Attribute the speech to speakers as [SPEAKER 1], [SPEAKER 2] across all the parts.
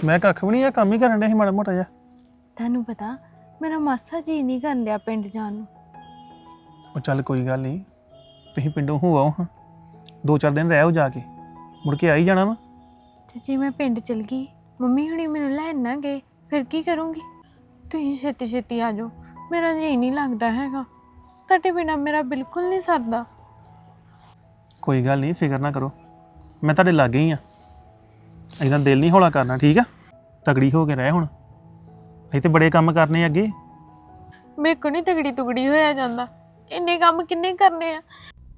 [SPEAKER 1] ਮੈਂ ਕੱਖ ਵੀ ਨਹੀਂ ਆ, ਕੰਮ ਹੀ ਕਰਨ ਡਿਆ ਸੀ ਮਾੜਾ ਮੋਟਾ ਜਿਹਾ।
[SPEAKER 2] ਤੁਹਾਨੂੰ ਪਤਾ ਮੇਰਾ ਮਾਸਾ ਜੀ ਨਹੀਂ ਕਰਨ ਡਿਆ ਪਿੰਡ ਜਾਣ ਨੂੰ।
[SPEAKER 1] ਉਹ ਚੱਲ ਕੋਈ ਗੱਲ ਨਹੀਂ, ਤੁਸੀਂ ਪਿੰਡੋਂ ਹੋ ਆਓ ਹਾਂ, 2-4 ਦਿਨ ਰਹਿ ਆਓ ਜਾ ਕੇ, ਮੁੜ ਕੇ ਆ ਹੀ ਜਾਣਾ ਵਾ।
[SPEAKER 2] ਤੇ ਜੇ ਮੈਂ ਪਿੰਡ ਚਲ ਗਈ, ਮੰਮੀ ਹੁਣੀ ਮੈਨੂੰ ਲੈਣ ਨਾ ਗਏ, ਫਿਰ ਕੀ ਕਰੂੰਗੀ? ਤੁਸੀਂ ਛੇਤੀ ਛੇਤੀ ਆ ਜਾਓ, ਮੇਰਾ ਜੀ ਨਹੀਂ ਲੱਗਦਾ ਹੈਗਾ। ਤੁਹਾਡੇ ਬਿਨਾਂ ਮੇਰਾ ਬਿਲਕੁਲ ਨਹੀਂ ਸਰਦਾ।
[SPEAKER 1] ਕੋਈ ਗੱਲ ਨਹੀਂ, ਫਿਕਰ ਨਾ ਕਰੋ, ਮੈਂ ਤੁਹਾਡੇ ਲਾਗੇ ਹੀ ਆ। ਇੱਦਾਂ ਦਿਲ ਨਹੀਂ ਹੌਲਾ ਕਰਨਾ, ਠੀਕ ਆ? ਤਗੜੀ ਹੋ ਕੇ ਰਹਿ ਹੁਣ, ਅਸੀਂ ਤੇ ਬੜੇ ਕੰਮ ਕਰਨੇ ਅੱਗੇ।
[SPEAKER 2] ਮੇਰੇ ਕੋਲ ਨਹੀਂ ਤਗੜੀ ਤੁਗੜੀ ਹੋਇਆ ਜਾਂਦਾ, ਇੰਨੇ ਕੰਮ ਕਿੰਨੇ ਕਰਨੇ ਆ।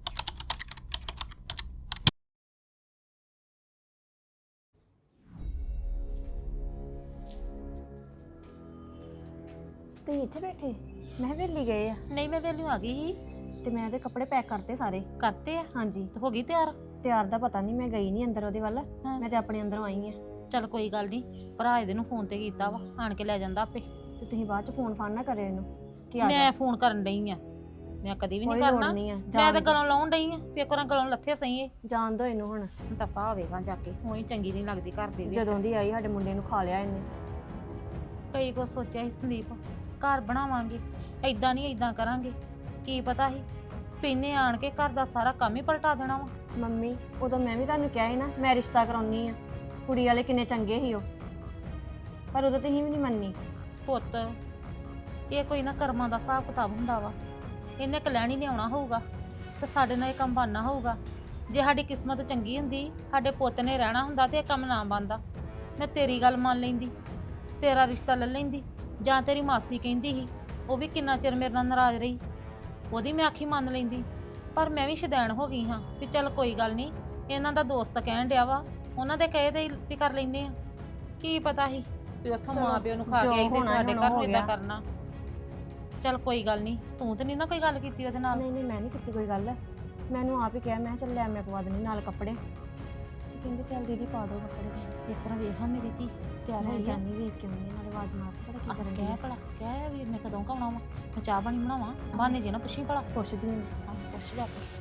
[SPEAKER 3] ਤੇ ਇੱਥੇ ਬੈਠੇ ਮੈਂ ਵੇਲੀ ਗਏ ਆ
[SPEAKER 4] ਨਹੀਂ ਮੈਂ ਵੇਲਿਓ ਆ ਗਈ ਸੀ।
[SPEAKER 3] ਤੇ ਮੈਂ ਉਹਦੇ ਕੱਪੜੇ ਪੈਕ ਕਰਤੇ ਸਾਰੇ।
[SPEAKER 4] ਕਰਤੇ ਆ
[SPEAKER 3] ਹਾਂਜੀ
[SPEAKER 4] ਤੇ ਹੋ ਗਈ ਤਿਆਰ।
[SPEAKER 3] ਤਿਆਰ ਦਾ ਪਤਾ ਨਹੀਂ, ਮੈਂ ਗਈ ਨਹੀਂ ਅੰਦਰ ਉਹਦੇ ਵੱਲ,
[SPEAKER 4] ਹਾਂ।
[SPEAKER 3] ਮੈਂ ਤੇ ਆਪਣੇ ਅੰਦਰੋਂ ਆਈ ਆ।
[SPEAKER 4] ਚੱਲ ਕੋਈ ਗੱਲ ਨਹੀਂ, ਭਰਾ ਇਹਦੇ ਨੂੰ ਫੋਨ ਤੇ ਕੀਤਾ ਵਾ, ਆਣ ਕੇ ਲੈ ਜਾਂਦਾ ਆਪੇ।
[SPEAKER 3] ਤੇ ਤੁਸੀਂ ਬਾਅਦ ਚ ਫੋਨ ਫਾਨ ਨਾ ਕਰਿਓ ਇਹਨੂੰ ਕਿ ਆ
[SPEAKER 4] ਮੈਂ ਫੋਨ ਕਰਨ ਡਈ ਆ, ਮੈਂ ਕਦੀ ਵੀ ਨਹੀਂ
[SPEAKER 3] ਕੋਈ ਲੋੜ
[SPEAKER 4] ਕਰਨਾ।
[SPEAKER 3] ਨਹੀਂ ਆ,
[SPEAKER 4] ਮੈਂ ਤਾਂ ਗਲੋਂ ਲਾਉਣ ਡਈ ਆ, ਪੇਕਰਾਂ ਗਲੋਂ ਲੱਥੇ ਸਹੀ ਏ।
[SPEAKER 3] ਜਾਣ ਦੋ ਇਹਨੂੰ ਹੁਣ,
[SPEAKER 4] ਦਫਾ ਹੋਵੇਗਾ ਜਾ ਕੇ, ਉਹੀ ਚੰਗੀ ਨਹੀਂ ਲੱਗਦੀ ਘਰ ਦੇ ਵਿੱਚ।
[SPEAKER 3] ਜਦੋਂ ਦੀ ਆਈ ਸਾਡੇ ਮੁੰਡੇ ਨੂੰ ਖਾ ਲਿਆ ਇਹਨੇ।
[SPEAKER 4] ਕਈ ਕੁਛ ਸੋਚਿਆ ਸੀ ਸੰਦੀਪ, ਘਰ ਬਣਾਵਾਂਗੇ, ਐਦਾਂ ਨਹੀਂ ਐਦਾਂ ਕਰਾਂਗੇ, ਕੀ ਪਤਾ ਸੀ ਪੀਨੇ ਆਣ ਕੇ ਘਰ ਦਾ ਸਾਰਾ ਕੰਮ ਹੀ ਪਲਟਾ ਦੇਣਾ ਵਾ।
[SPEAKER 3] ਮੰਮੀ ਉਦੋਂ ਮੈਂ ਵੀ ਤੁਹਾਨੂੰ ਕਿਹਾ ਸੀ ਨਾ ਮੈਂ ਰਿਸ਼ਤਾ ਕਰਾਉਣੀ ਆ, ਕੁੜੀ ਵਾਲੇ ਕਿੰਨੇ ਚੰਗੇ ਸੀ ਉਹ, ਪਰ ਉਦੋਂ ਤੁਸੀਂ ਵੀ ਨਹੀਂ ਮੰਨੀ।
[SPEAKER 4] ਪੁੱਤ ਇਹ ਕੋਈ ਨਾ ਕਰਮਾਂ ਦਾ ਹਿਸਾਬ ਕਿਤਾਬ ਹੁੰਦਾ ਵਾ, ਇਹਨੇ ਕਲੈਣੀ ਨਹੀਂ ਆਉਣਾ ਹੋਊਗਾ ਤੇ ਸਾਡੇ ਨਾਲ ਇਹ ਕੰਮ ਬਣਨਾ ਹੋਊਗਾ। ਜੇ ਸਾਡੀ ਕਿਸਮਤ ਚੰਗੀ ਹੁੰਦੀ, ਸਾਡੇ ਪੁੱਤ ਨੇ ਰਹਿਣਾ ਹੁੰਦਾ ਤੇ ਇਹ ਕੰਮ ਨਾ ਬਣਦਾ। ਮੈਂ ਤੇਰੀ ਗੱਲ ਮੰਨ ਲੈਂਦੀ, ਤੇਰਾ ਰਿਸ਼ਤਾ ਲੈ ਲੈਂਦੀ, ਜਾਂ ਤੇਰੀ ਮਾਸੀ ਕਹਿੰਦੀ ਸੀ, ਉਹ ਵੀ ਕਿੰਨਾ ਚਿਰ ਮੇਰੇ ਨਾਲ ਨਾਰਾਜ਼ ਰਹੀ, ਉਹਦੀ ਮੈਂ ਆਖੀ ਮੰਨ ਲੈਂਦੀ। ਪਰ ਮੈਂ ਵੀ ਸ਼ੁਦੈਣ ਹੋ ਗਈ ਹਾਂ ਵੀ ਚੱਲ ਕੋਈ ਗੱਲ ਨਹੀਂ, ਇਹਨਾਂ ਦਾ ਦੋਸਤ ਕਹਿਣ ਡਿਆ ਵਾ, ਉਹਨਾਂ ਦੇ ਕਹੇ ਤੇ ਵੀ ਕਰ ਲੈਂਦੇ ਆ। ਕੀ ਪਤਾ ਸੀ ਵੀ ਉੱਥੋਂ ਮਾਂ ਪਿਓ ਨੂੰ ਖਾ ਕੇ ਆਈ ਤੇ ਤੁਹਾਡੇ ਘਰ ਨੂੰ ਇਦਾਂ ਕਰਨਾ। ਚੱਲ ਕੋਈ ਗੱਲ ਨਹੀਂ, ਤੂੰ ਤੇ ਨਹੀਂ ਨਾ ਕੋਈ ਗੱਲ ਕੀਤੀ ਉਹਦੇ ਨਾਲ?
[SPEAKER 3] ਨਹੀਂ ਨਹੀਂ ਮੈਂ ਨਹੀਂ ਕੀਤੀ ਕੋਈ ਗੱਲ, ਮੈਨੂੰ ਆਪ ਹੀ ਕਿਹਾ, ਮੈਂ ਚੱਲ ਲੈ ਮੈਂ ਪਵਾ ਦਿੰਦੀ ਨਾਲ ਕੱਪੜੇ। ਤੇ ਕਹਿੰਦੇ ਚੱਲ ਦੀਦੀ ਪਾ ਦਿਓ ਕੱਪੜੇ।
[SPEAKER 4] ਇੱਕ ਵਾਰ ਵੇਖਾਂ ਮੇਰੀ ਧੀ ਤਿਆਰ
[SPEAKER 3] ਮੈਂ
[SPEAKER 4] ਹੋਈ ਆ।
[SPEAKER 3] ਜਾਨੀ ਵੇਖ ਕੇ ਆਉਂਦੀ ਨਾਲੇ ਆਵਾਜ਼ ਮਾਰ ਕੇ ਪਤਾ ਕੀ ਕਰਨ
[SPEAKER 4] ਕਹਿ ਭਲਾ, ਕਹਿ ਵੀਰ ਨੇ ਕਦੋਂ ਕਾਉਣਾ ਵਾ, ਮੈਂ ਚਾਹ ਪਾਣੀ ਬਣਾਵਾਂ, ਬਹਾਨੇ ਜੇ ਨਾ ਪੁੱਛੀ ਭਲਾ।
[SPEAKER 3] ਪੁੱਛਦੀ ਹਾਂ।
[SPEAKER 4] ਪੁੱਛ ਲਿਆ ਪੁੱਛ।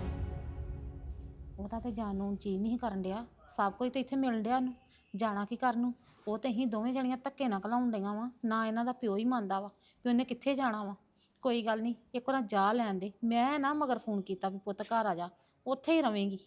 [SPEAKER 4] ਉਹਦਾ ਤੇ ਜਾਣ ਨੂੰ ਚੀਜ਼ ਨਹੀਂ ਕਰਨ ਡਿਆ, ਸਭ ਕੁਝ ਤੇ ਇੱਥੇ ਮਿਲਣ ਡਿਆ ਉਹਨੂੰ, ਜਾਣਾ ਕੀ ਕਰਨ ਨੂੰ। ਉਹ ਤੇ ਅਸੀਂ ਦੋਵੇਂ ਜਣੀਆਂ ਧੱਕੇ ਨਾਲ ਘਲਾਉਣ ਡਈਆਂ ਵਾ, ਨਾ ਇਹਨਾਂ ਦਾ ਪਿਓ ਹੀ ਮੰਨਦਾ ਵਾ ਵੀ ਉਹਨੇ ਕਿੱਥੇ ਜਾਣਾ ਵਾ। ਕੋਈ ਗੱਲ ਨਹੀਂ, ਇੱਕ ਵਾਰ ਜਾ ਲੈਣ ਦੇ। ਮੈਂ ਨਾ ਮਗਰ ਫੋਨ ਕੀਤਾ ਵੀ ਪੁੱਤ ਘਰ ਆ ਜਾ, ਉੱਥੇ ਹੀ ਰਵੇਂਗੀ।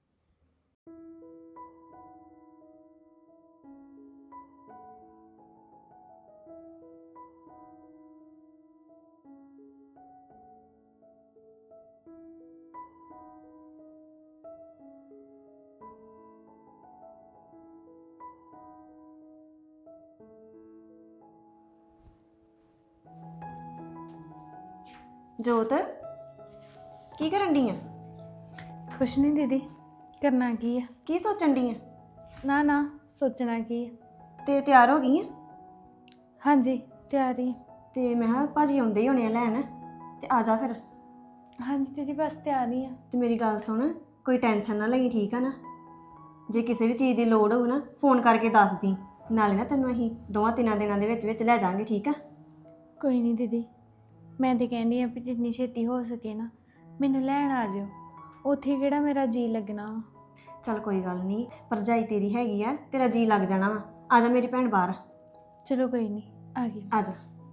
[SPEAKER 3] ਜੋਤ ਕੀ ਕਰਨ ਡਈ ਆ?
[SPEAKER 2] ਕੁਛ ਨਹੀਂ ਦੀਦੀ, ਕਰਨਾ ਕੀ ਆ?
[SPEAKER 3] ਕੀ ਸੋਚਣ ਡਈ ਆ?
[SPEAKER 2] ਨਾ ਨਾ ਸੋਚਣਾ ਕੀ ਆ?
[SPEAKER 3] ਤੇ ਤਿਆਰ ਹੋ ਗਈ ਆ?
[SPEAKER 2] ਹਾਂਜੀ ਤਿਆਰੀ।
[SPEAKER 3] ਤੇ ਮੈਂ ਕਿਹਾ ਭਾਜੀ ਆਉਂਦੇ ਹੀ ਹੋਣੇ ਆ ਲੈਣ, ਤੇ ਆ ਜਾ ਫਿਰ।
[SPEAKER 2] ਹਾਂਜੀ ਦੀਦੀ ਬਸ ਤਿਆਰੀ ਆ।
[SPEAKER 3] ਤੇ ਮੇਰੀ ਗੱਲ ਸੁਣ, ਕੋਈ ਟੈਨਸ਼ਨ ਨਾ ਲਈ, ਠੀਕ ਆ ਨਾ? ਜੇ ਕਿਸੇ ਵੀ ਚੀਜ਼ ਦੀ ਲੋੜ ਹੋਊ ਨਾ ਫੋਨ ਕਰਕੇ ਦੱਸ ਦੀ, ਨਾਲੇ ਨਾ ਤੈਨੂੰ ਅਸੀਂ 2-3 ਦਿਨਾਂ ਦੇ ਵਿੱਚ ਲੈ ਜਾਾਂਗੇ, ਠੀਕ ਆ?
[SPEAKER 2] ਕੋਈ ਨਹੀਂ ਦੀਦੀ, ਮੈਂ ਤੇ ਕਹਿੰਦੀ ਆ ਵੀ ਜਿੰਨੀ ਛੇਤੀ ਹੋ ਸਕੇ ਨਾ ਮੈਨੂੰ ਲੈਣ ਆ ਜਿਓ, ਉੱਥੇ ਕਿਹੜਾ ਮੇਰਾ ਜੀ ਲੱਗਣਾ ਵਾ।
[SPEAKER 3] ਚੱਲ ਕੋਈ ਗੱਲ ਨਹੀਂ, ਭਰਜਾਈ ਤੇਰੀ ਹੈਗੀ ਆ, ਤੇਰਾ ਜੀ ਲੱਗ ਜਾਣਾ ਵਾ। ਆ ਜਾ ਮੇਰੀ ਭੈਣ ਬਾਹਰ,
[SPEAKER 2] ਚਲੋ ਕੋਈ ਨਹੀਂ, ਆ ਗਈ।
[SPEAKER 3] ਆ ਜਾ।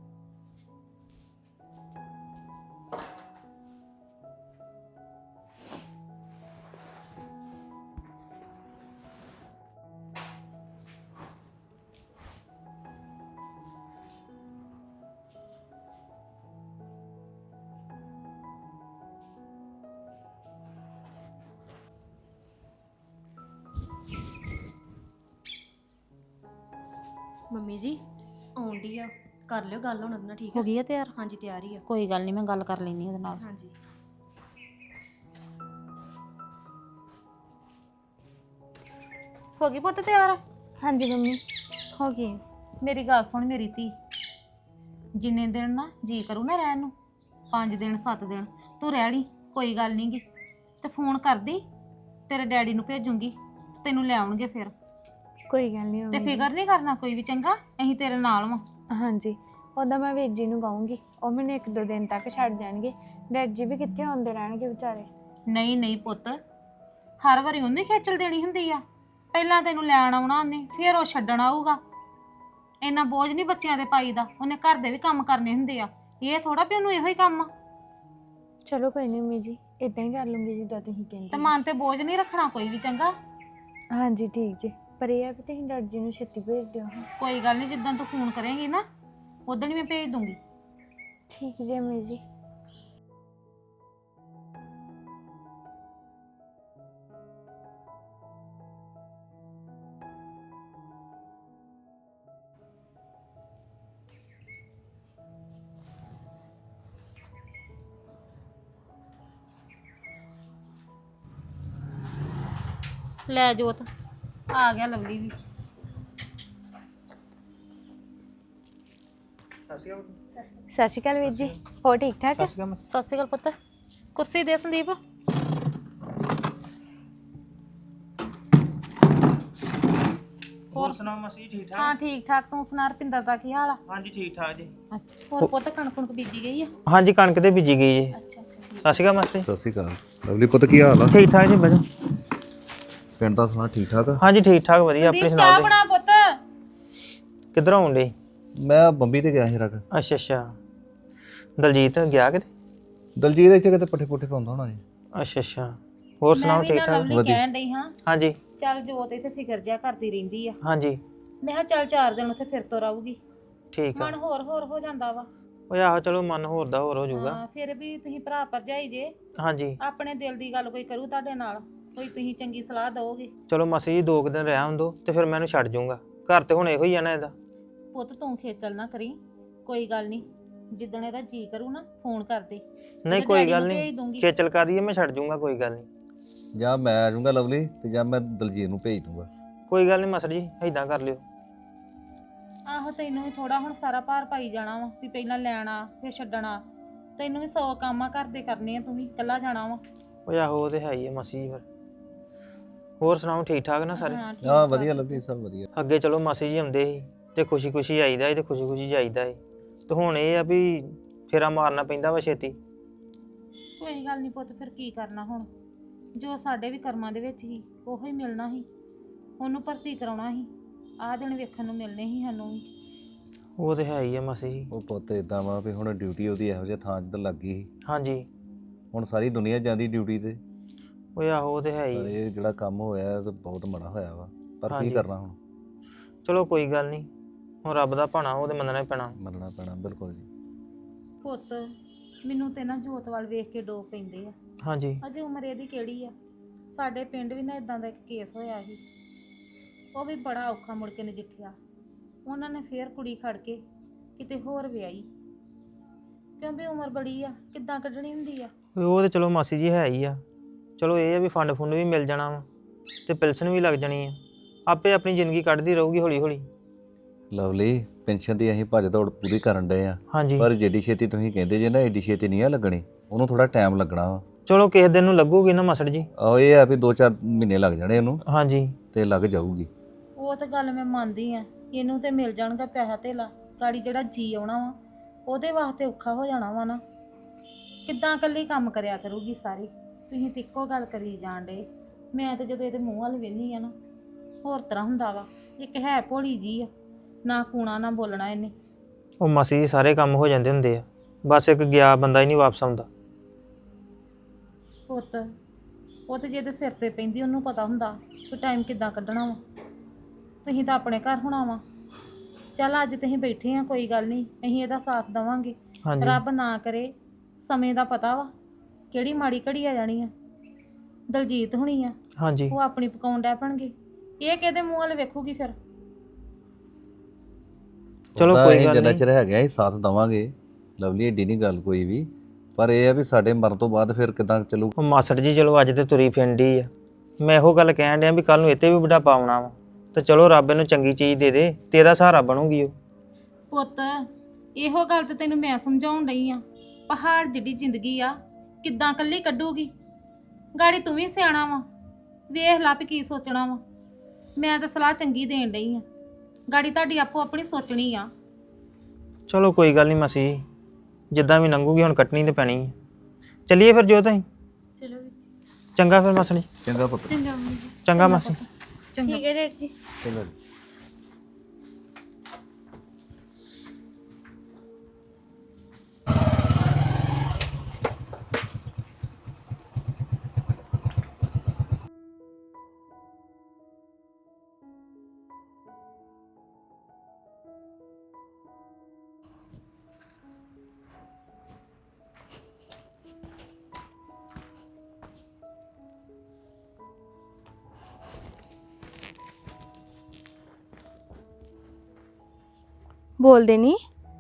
[SPEAKER 3] ਮੰਮੀ ਜੀ ਆਉਣ ਡਈ ਆ, ਕਰ ਲਿਓ ਗੱਲ ਹੁਣ ਉਹਦੇ ਨਾਲ, ਠੀਕ
[SPEAKER 4] ਹੋ
[SPEAKER 3] ਆ?
[SPEAKER 4] ਗਈ ਆ ਤਿਆਰ?
[SPEAKER 3] ਹਾਂਜੀ ਤਿਆਰ ਹੀ ਆ।
[SPEAKER 4] ਕੋਈ ਗੱਲ ਨਹੀਂ, ਮੈਂ ਗੱਲ ਕਰ ਲੈਂਦੀ ਉਹਦੇ ਨਾਲ।
[SPEAKER 3] ਹਾਂਜੀ
[SPEAKER 4] ਹੋ ਗਈ ਪੁੱਤ ਤਿਆਰ?
[SPEAKER 2] ਹਾਂਜੀ ਮੰਮੀ ਹੋ ਗਈ।
[SPEAKER 4] ਮੇਰੀ ਗੱਲ ਸੁਣ ਮੇਰੀ ਧੀ, ਜਿੰਨੇ ਦਿਨ ਨਾ ਜੀ ਕਰੂ ਨਾ ਰਹਿਣ ਨੂੰ, 5 ਦਿਨ 7 ਦਿਨ ਤੂੰ ਰਹਿ ਲਈ, ਕੋਈ ਗੱਲ ਨਹੀਂ ਗੀ। ਤੇ ਫੋਨ ਕਰਦੀ, ਤੇਰੇ ਡੈਡੀ ਨੂੰ ਭੇਜੂੰਗੀ, ਤੈਨੂੰ ਲੈ ਆਉਣਗੇ ਫਿਰ।
[SPEAKER 2] ਕੋਈ ਗੱਲ ਨਹੀਂ
[SPEAKER 4] ਤੇ
[SPEAKER 2] ਮੰਮੀ।
[SPEAKER 4] ਫਿਕਰ ਨਹੀਂ ਕਰਨਾ ਕੋਈ ਵੀ, ਚੰਗਾ? ਅਸੀਂ ਤੇਰੇ ਨਾਲ ਵਾਂ।
[SPEAKER 2] ਹਾਂਜੀ ਉਹਦਾ ਮੈਂ ਵੀਰ ਜੀ ਨੂੰ ਕਹੂੰਗੀ, ਉਹ ਮੈਨੂੰ 1-2 ਦਿਨ ਤੱਕ ਛੱਡ ਜਾਣਗੇ। ਡੈਡ ਜੀ ਵੀ ਕਿੱਥੇ ਆਉਂਦੇ ਰਹਿਣਗੇ ਵਿਚਾਰੇ।
[SPEAKER 4] ਨਹੀਂ ਨਹੀਂ ਪੁੱਤ, ਹਰ ਵਾਰੀ ਉਹਨੇ ਖੇਚਲ ਦੇਣੀ ਹੁੰਦੀ ਆ? ਪਹਿਲਾਂ ਤੈਨੂੰ ਲੈਣ ਆਉਣਾ ਉਹਨੇ, ਫਿਰ ਉਹ ਛੱਡਣ ਆਊਗਾ। ਇੰਨਾ ਬੋਝ ਨਹੀਂ ਬੱਚਿਆਂ ਦੇ ਪਾਈਦਾ, ਉਹਨੇ ਘਰ ਦੇ ਵੀ ਕੰਮ ਕਰਨੇ ਹੁੰਦੇ ਆ। ਇਹ ਥੋੜਾ ਵੀ ਉਹਨੂੰ ਇਹੋ ਹੀ ਕੰਮ ਆ।
[SPEAKER 2] ਚਲੋ ਕੋਈ ਨਹੀਂ ਮੰਮੀ ਜੀ, ਇਦਾਂ ਹੀ ਕਰ ਲੂੰਗੀ ਜਿੱਦਾਂ ਤੁਸੀਂ
[SPEAKER 4] ਤੇ
[SPEAKER 2] ਕਹਿੰਦੇ।
[SPEAKER 4] ਮਨ ਤੇ ਬੋਝ ਨਹੀਂ ਰੱਖਣਾ ਕੋਈ ਵੀ, ਚੰਗਾ?
[SPEAKER 2] ਹਾਂਜੀ ਠੀਕ ਜੀ, ਪਰ ਇਹ ਆ ਵੀ ਤੁਸੀਂ ਡੈਡੀ ਜੀ ਨੂੰ ਛੇਤੀ ਭੇਜ ਦਿਓ।
[SPEAKER 4] ਕੋਈ ਗੱਲ ਨਹੀਂ, ਜਿੱਦਾਂ ਤੂੰ ਫੋਨ ਕਰੇਂਗੀ ਨਾ ਉਦੋਂ ਹੀ ਮੈਂ ਭੇਜ ਦੂੰਗੀ।
[SPEAKER 2] ਠੀਕ ਜੀ ਮੰਮੀ ਜੀ।
[SPEAKER 4] ਲੈ ਜੋਤ, ਆ ਗਿਆ ਲਵਲੀ ਵੀ।
[SPEAKER 2] ਸਤਿ ਸ਼੍ਰੀ ਅਕਾਲ ਵੀਰ ਜੀ, ਹੋਰ ਠੀਕ ਠਾਕ?
[SPEAKER 4] ਸਤਿ ਸ਼੍ਰੀ ਅਕਾਲ ਪੁੱਤ। ਕੁਰਸੀ ਦੇ ਸੰਦੀਪ।
[SPEAKER 1] ਹੋਰ ਸੁਣਾਓ ਮਸੀ, ਠੀਕ ਠਾਕ?
[SPEAKER 4] ਹਾਂ ਠੀਕ ਠਾਕ, ਤੂੰ ਸੁਣਾ ਰਪਿੰਦਰ ਦਾ ਕੀ ਹਾਲ ਆ?
[SPEAKER 1] ਹਾਂਜੀ ਠੀਕ ਠਾਕ ਜੀ।
[SPEAKER 4] ਹੋਰ ਪੁੱਤ ਕਣਕ ਕੁਣਕ ਬੀਜੀ ਗਈ ਆ?
[SPEAKER 1] ਹਾਂਜੀ ਕਣਕ ਤੇ ਬੀਜੀ ਗਈ ਜੀ।
[SPEAKER 4] ਅੱਛਾ ਅੱਛਾ ਠੀਕ।
[SPEAKER 1] ਸਤਿ ਸ਼੍ਰੀ ਅਕਾਲ ਮਾਸਟਰ।
[SPEAKER 5] ਸਤਿ ਸ਼੍ਰੀ ਅਕਾਲ ਲਵਲੀ ਪੁੱਤ, ਕੀ ਹਾਲ ਆ?
[SPEAKER 1] ਠੀਕ ਠਾਕ ਜੀ ਬਜਾ।
[SPEAKER 5] ਪਿੰਡ ਦਾ ਸੁਣਾ ਠੀਕ ਠਾਕ ਆ?
[SPEAKER 1] ਹਾਂਜੀ ਠੀਕ ਠਾਕ ਵਧੀਆ, ਆਪਣੇ
[SPEAKER 4] ਸੰਦੀਪ ਚਾਹ
[SPEAKER 1] ਸੁਣਾਓ?
[SPEAKER 4] ਬਣਾ ਪੁੱਤ।
[SPEAKER 1] ਕਿੱਧਰ ਆਉਣ ਡੇ?
[SPEAKER 5] ਮੈਂ ਬੰਬੀ ਤੇ ਗਿਆ ਸੀ ਰਕ।
[SPEAKER 1] ਅੱਛਾ ਅੱਛਾ, ਦਲਜੀਤ ਗਿਆ ਕਿਤੇ?
[SPEAKER 5] ਦਲਜੀਤ ਇੱਥੇ ਕਿਤੇ ਪੱਠੇ ਪੁੱਠੇ ਪਾਉਂਦਾ ਹੋਣਾ ਜੀ।
[SPEAKER 1] ਅੱਛਾ ਅੱਛਾ, ਹੋਰ ਸੁਣਾਓ ਠੀਕ ਠਾਕ?
[SPEAKER 4] ਲਵਲੀ ਕਹਿਣ ਡਈ ਹਾਂ,
[SPEAKER 1] ਹਾਂਜੀ
[SPEAKER 4] ਚੱਲ ਜੋਤ ਇੱਥੇ ਫਿਕਰ ਜਿਆ ਕਰਦੀ ਰਹਿੰਦੀ ਆ।
[SPEAKER 1] ਹਾਂਜੀ
[SPEAKER 4] ਮੈਂ ਕਿਹਾ ਚੱਲ 4 ਦਿਨ ਉੱਥੇ ਫਿਰ ਤੋਂ ਰਹੂਗੀ,
[SPEAKER 1] ਠੀਕ ਆ।
[SPEAKER 4] ਮਨ ਹੋਰ ਹੋਰ ਹੋ ਜਾਂਦਾ ਵਾ।
[SPEAKER 1] ਓਏ ਆਹੋ ਚਲੋ ਮਨ ਹੋਰ ਦਾ ਹੋਰ ਹੋ ਜਾਊਗਾ।
[SPEAKER 4] ਹਾਂ ਫਿਰ ਵੀ ਤੁਸੀਂ ਭਰਾ ਭਰਜਾਈ ਜੇ,
[SPEAKER 1] ਹਾਂਜੀ
[SPEAKER 4] ਆਪਣੇ ਦਿਲ ਦੀ ਗੱਲ ਕੋਈ ਕਰੂ ਤੁਹਾਡੇ ਨਾਲ, ਕੋਈ ਤੁਸੀਂ ਚੰਗੀ ਸਲਾਹ ਦਿਓਗੇ।
[SPEAKER 1] ਚਲੋ ਮਾਸੀ ਜੀ 2 ਦਿਨ ਰਹਿ ਆਉਂਦੋ ਤੇ ਫਿਰ ਮੈਂ ਇਹਨੂੰ ਛੱਡ ਜਾਊਂਗਾ। ਘਰ ਤੇ ਹੁਣ ਇਹੋ ਹੀ ਆ ਨਾ ਇਹਦਾ।
[SPEAKER 4] ਪੁੱਤ ਤੂੰ ਖੇਚਲ ਨਾ ਕਰੀ, ਕੋਈ ਗੱਲ ਨਹੀਂ, ਜਿੱਦਣ ਇਹਦਾ ਜੀ ਕਰੂ ਨਾ ਫੋਨ ਕਰ ਦੇ।
[SPEAKER 1] ਨਹੀਂ ਕੋਈ ਗੱਲ ਨਹੀਂ, ਖੇਚਲ ਕਰੀਏ, ਮੈਂ ਛੱਡ ਜਾਊਂਗਾ, ਕੋਈ ਗੱਲ ਨਹੀਂ।
[SPEAKER 5] ਜਾਂ ਮੈਂ ਆ ਜਾਊਂਗਾ ਲਵਲੀ ਤੇ ਜਾਂ ਮੈਂ ਦਲਜੀਤ ਨੂੰ ਭੇਜ ਦੂੰਗਾ।
[SPEAKER 1] ਕੋਈ ਗੱਲ ਨਹੀਂ ਮਾਸਟਰ ਜੀ, ਏਦਾਂ ਕਰ ਲਿਓ।
[SPEAKER 4] ਆਹੋ ਤੈਨੂੰ ਵੀ ਥੋੜਾ ਹੁਣ ਸਾਰਾ ਭਾਰ ਪਾਈ ਜਾਣਾ ਵਾ ਵੀ ਪਹਿਲਾਂ ਲੈਣਾ ਫਿਰ ਛੱਡਣਾ। ਤੈਨੂੰ ਵੀ 100 ਕੰਮ ਆ ਘਰ ਦੇ ਕਰਨੇ ਆ, ਤੂੰ ਵੀ ਇਕੱਲਾ ਜਾਣਾ ਵਾ।
[SPEAKER 1] ਓਏ ਆਹੋ ਉਹ ਤੇ ਹੈ ਹੀ ਆ ਮਾਸੀ ਜੀ। ਫਿਰ ਹੋਰ ਸੁਣਾਓ ਠੀਕ ਠਾਕ ਨਾ ਸਾਰੇ?
[SPEAKER 4] ਹਾਂ, ਠੀਕ
[SPEAKER 5] ਹਾਂ
[SPEAKER 4] ਠਾਕ।
[SPEAKER 5] ਵਧੀਆ ਲਵਲੀ, ਸਭ ਵਧੀਆ।
[SPEAKER 1] ਅੱਗੇ ਚਲੋ ਮਾਸੀ ਜੀ ਆਉਂਦੇ ਸੀ ਤੇ ਖੁਸ਼ੀ ਖੁਸ਼ੀ ਆਈਦਾ ਸੀ ਤੇ ਖੁਸ਼ੀ ਖੁਸ਼ੀ ਜਾਈਦਾ ਸੀ, ਤੇ ਹੁਣ ਇਹ ਆ ਵੀ ਫੇਰਾ ਮਾਰਨਾ ਪੈਂਦਾ ਵਾ ਛੇਤੀ।
[SPEAKER 4] ਕੋਈ ਗੱਲ ਨਹੀਂ ਪੁੱਤ, ਫਿਰ ਕੀ ਕਰਨਾ ਹੁਣ, ਜੋ ਸਾਡੇ ਵੀ ਕਰਮਾਂ ਦੇ ਵਿੱਚ ਹੀ ਉਹੋ ਹੀ ਮਿਲਣਾ ਸੀ। ਉਹਨੂੰ ਭਰਤੀ ਕਰਾਉਣਾ ਸੀ, ਆਹ ਦਿਨ ਵੇਖਣ ਨੂੰ ਮਿਲਨੇ ਸੀ ਸਾਨੂੰ ਵੀ।
[SPEAKER 1] ਉਹ ਤੇ ਹੈ ਹੀ ਆ ਮਾਸੀ ਜੀ।
[SPEAKER 5] ਉਹ ਪੁੱਤ ਇਦਾਂ ਵਾ ਵੀ ਹੁਣ ਡਿਊਟੀ ਉਹਦੀ ਇਹੋ ਜਿਹੇ ਥਾਂ 'ਚ ਤਾਂ ਲੱਗ ਗਈ ਸੀ।
[SPEAKER 1] ਹਾਂਜੀ
[SPEAKER 5] ਹੁਣ ਸਾਰੀ ਦੁਨੀਆ ਜਾਂਦੀ ਡਿਊਟੀ ਤੇ।
[SPEAKER 1] ਓਏ ਆਹੋ ਉਹ ਤੇ ਹੈ
[SPEAKER 5] ਪਰ
[SPEAKER 1] ਹੀ।
[SPEAKER 5] ਇਹ ਜਿਹੜਾ ਕੰਮ ਹੋਇਆ ਇਹ ਤਾਂ ਬਹੁਤ ਮਾੜਾ ਹੋਇਆ ਵਾ, ਪਰ ਕੀ
[SPEAKER 1] ਹਾਂਜੀ।
[SPEAKER 5] ਕਰਨਾ ਹੁਣ,
[SPEAKER 1] ਚਲੋ ਕੋਈ ਗੱਲ ਨਹੀਂ, ਹੁਣ ਰੱਬ ਦਾ ਭਾਣਾ ਉਹ ਤੇ ਮੰਨਣਾ ਹੀ ਪੈਣਾ।
[SPEAKER 5] ਮੰਨਣਾ ਪੈਣਾ ਬਿਲਕੁਲ ਜੀ।
[SPEAKER 4] ਪੁੱਤ ਮੈਨੂੰ ਤੇ ਨਾ ਜੋਤ ਵੱਲ ਵੇਖ ਕੇ ਡੋਬ ਪੈਂਦੇ ਆ।
[SPEAKER 1] ਹਾਂਜੀ
[SPEAKER 4] ਅਜੇ ਉਮਰ ਇਹਦੀ ਕਿਹੜੀ ਆ? ਸਾਡੇ ਪਿੰਡ ਵੀ ਨਾ ਇਦਾਂ ਦਾ ਇੱਕ ਕੇਸ ਹੋਇਆ ਸੀ, ਉਹ ਵੀ ਬੜਾ ਔਖਾ ਮੁੜ ਕੇ ਨਜਿੱਠਿਆ। ਉਹਨਾਂ ਨੇ ਫੇਰ ਕੁੜੀ ਖੜ ਕੇ ਕਿਤੇ ਹੋਰ ਵਿਆਹੀ, ਕਿਉਂਕਿ ਉਮਰ ਬੜੀ ਆ, ਕਿੱਦਾਂ ਕੱਢਣੀ ਹੁੰਦੀ ਆ।
[SPEAKER 1] ਉਹ ਤੇ ਚਲੋ ਮਾਸੀ ਜੀ ਹੈ ਹੀ ਆ। ਚਲੋ ਇਹ ਆ ਵੀ ਫੰਡ ਫੁੰਡ ਵੀ ਮਿਲ ਜਾਣਾ ਵਾ ਤੇ ਪੈਨਸ਼ਨ ਵੀ ਲੱਗ ਜਾਣੀ ਆ, ਆਪੇ ਆਪਣੀ ਜ਼ਿੰਦਗੀ ਕੱਢਦੀ ਰਹੂਗੀ ਹੌਲੀ ਹੌਲੀ।
[SPEAKER 5] ਲਵਲੀ ਪੈਨਸ਼ਨ ਦੀ ਅਸੀਂ ਭੱਜ ਦੌੜ ਪੂਰੀ ਕਰਨ ਡਏ ਆ,
[SPEAKER 1] ਹਾਂਜੀ
[SPEAKER 5] ਪਰ ਜਿੱਡੀ ਛੇਤੀ ਤੁਸੀਂ ਕਹਿੰਦੇ ਜੇ ਨਾ ਏਡੀ ਛੇਤੀ ਨਹੀਂ ਆ ਲੱਗਣੀ, ਉਹਨੂੰ ਥੋੜਾ ਟਾਈਮ ਲੱਗਣਾ ਵਾ।
[SPEAKER 1] ਚਲੋ ਕਿਸੇ ਦਿਨ ਨੂੰ ਲੱਗੂਗੀ ਨਾ ਮਾਸੜ ਜੀ।
[SPEAKER 5] ਆਹੋ ਇਹ ਆ ਵੀ 2-4 ਮਹੀਨੇ ਲੱਗ ਜਾਣੇ ਉਹਨੂੰ
[SPEAKER 1] ਹਾਂਜੀ
[SPEAKER 5] ਤੇ ਲੱਗ ਜਾਊਗੀ।
[SPEAKER 4] ਉਹ ਤਾਂ ਗੱਲ ਮੈਂ ਮੰਨਦੀ ਆ, ਇਹਨੂੰ ਤੇ ਮਿਲ ਜਾਣਗਾ ਪੈਸਾ ਧੇਲਾ, ਗਾੜੀ ਜਿਹੜਾ ਜੀ ਆਉਣਾ ਵਾ ਉਹਦੇ ਵਾਸਤੇ ਔਖਾ ਹੋ ਜਾਣਾ ਵਾ ਨਾ। ਕਿੱਦਾਂ ਇਕੱਲੀ ਕੰਮ ਕਰਿਆ ਕਰੂਗੀ ਸਾਰੀ? ਤੁਸੀਂ ਤੇ ਇੱਕੋ ਗੱਲ ਕਰੀ ਜਾਣ ਡੇ। ਮੈਂ ਤਾਂ ਜਦੋਂ ਇਹਦੇ ਮੂੰਹ ਵੱਲ ਵੇਖਦੀ ਆ ਨਾ ਹੋਰ ਤਰ੍ਹਾਂ ਹੁੰਦਾ ਵਾ। ਇੱਕ ਹੈ ਭੋਲੀ ਜੀ ਆ, ਨਾ ਕੂਣਾ ਨਾ ਬੋਲਣਾ ਇਹਨੇ।
[SPEAKER 1] ਉਹ ਮਾਸੀ ਜੀ ਸਾਰੇ ਕੰਮ ਹੋ ਜਾਂਦੇ ਹੁੰਦੇ ਆ, ਬਸ ਇੱਕ ਗਿਆ ਬੰਦਾ ਹੀ ਨਹੀਂ ਵਾਪਸ ਆਉਂਦਾ।
[SPEAKER 4] ਪੁੱਤ ਉਹ ਤੇ ਜਿਹਦੇ ਸਿਰ ਤੇ ਪੈਂਦੀ ਉਹਨੂੰ ਪਤਾ ਹੁੰਦਾ ਕਿ ਟਾਈਮ ਕਿੱਦਾਂ ਕੱਢਣਾ ਵਾ। ਤੁਸੀਂ ਤਾਂ ਆਪਣੇ ਘਰ ਹੋਣਾ ਵਾ। ਚੱਲ ਅੱਜ ਤੁਸੀਂ ਬੈਠੇ ਆ, ਕੋਈ ਗੱਲ ਨਹੀਂ, ਅਸੀਂ ਇਹਦਾ ਸਾਥ ਦੇਵਾਂਗੇ।
[SPEAKER 1] ਹਾਂਜੀ
[SPEAKER 4] ਰੱਬ ਨਾ ਕਰੇ, ਸਮੇਂ ਦਾ ਪਤਾ ਵਾ ਕਿਹੜੀ ਮਾੜੀ ਘੜੀ ਆ ਜਾਣੀ ਆ। ਦਲਜੀਤ ਹੁਣੀ ਆ,
[SPEAKER 1] ਹਾਂਜੀ
[SPEAKER 4] ਉਹ ਆਪਣੀ ਪਕਾਉਣ ਡੈ ਪਣਗੇ, ਇਹ ਕਿਹਦੇ ਮੂੰਹ ਵੱਲ ਵੇਖੂਗੀ ਫਿਰ?
[SPEAKER 1] ਚਲੋ
[SPEAKER 5] ਉਹਦਾ
[SPEAKER 1] ਕੋਈ
[SPEAKER 5] ਅਸੀਂ
[SPEAKER 1] ਗੱਲ
[SPEAKER 5] ਜਿੰਨਾ
[SPEAKER 1] ਨਹੀਂ।
[SPEAKER 5] ਚਿਰ ਹੈਗਾ ਅਸੀਂ ਸਾਥ ਦੇਵਾਂਗੇ ਲਵਲੀ, ਏਡੀ ਨਹੀਂ ਗੱਲ ਕੋਈ ਵੀ, ਪਰ ਇਹ ਆ ਵੀ ਸਾਡੇ ਮਰਨ ਤੋਂ ਬਾਅਦ ਫਿਰ ਕਿਦਾਂ ਚੱਲੂ।
[SPEAKER 1] ਉਹ ਮਾਸੜ ਜੀ ਚਲੋ ਅੱਜ ਤੇ ਤੁਰੀ ਫਿਰਦੀ ਆ, ਮੈਂ ਇਹੋ ਗੱਲ ਕਹਿਣ ਡਿਆ ਵੀ ਕੱਲ ਨੂੰ ਇੱਥੇ ਵੀ ਬੁਢਾਪਾ ਆਉਣਾ ਵਾ, ਤੇ ਚਲੋ ਰੱਬ ਇਹਨੂੰ ਚੰਗੀ ਚੀਜ਼ ਦੇ ਦੇ, ਤੇਰਾ ਸਹਾਰਾ ਬਣੂਗੀ ਉਹ।
[SPEAKER 4] ਪੁੱਤ ਇਹੋ ਗੱਲ ਤੇ ਤੈਨੂੰ ਮੈਂ ਸਮਝਾਉਣ ਡਈ ਆ, ਪਹਾੜ ਜਿੱਡੀ ਜ਼ਿੰਦਗੀ ਆ ਕਿੱਦਾਂ ਇਕੱਲੀ ਕੱਢੂਗੀ? ਗਾੜੀ ਤੂੰ ਵੀ ਸਿਆਣਾ ਵਾ, ਵੇਖ ਲਾ ਵੀ ਕੀ ਸੋਚਣਾ ਵਾ। ਮੈਂ ਤਾਂ ਸਲਾਹ ਚੰਗੀ ਦੇਣ ਡਈ ਆ, ਗਾੜੀ ਤੁਹਾਡੀ ਆਪੋ ਆਪਣੀ ਸੋਚਣੀ ਆ।
[SPEAKER 1] ਚਲੋ ਕੋਈ ਗੱਲ ਨਹੀਂ ਮਾਸੀ ਜੀ, ਜਿੱਦਾਂ ਵੀ ਲੰਘੂਗੀ ਹੁਣ ਕੱਟਣੀ ਤੇ ਪੈਣੀ ਹੈ। ਚੱਲੀਏ ਫਿਰ ਜੋ ਤਾਈ।
[SPEAKER 2] ਚਲੋ
[SPEAKER 1] ਚੰਗਾ ਫਿਰ ਮਾਸੜ ਜੀ।
[SPEAKER 5] ਚੰਗਾ ਪੁੱਤ।
[SPEAKER 2] ਚੰਗਾ ਮੰਮੀ ਜੀ।
[SPEAKER 1] ਚੰਗਾ ਮਾਸੀ।
[SPEAKER 2] ਠੀਕ ਹੈ ਡੈਡ ਜੀ।
[SPEAKER 5] ਚੰਗਾ।
[SPEAKER 2] ਬੋਲਦੇ ਨਹੀਂ।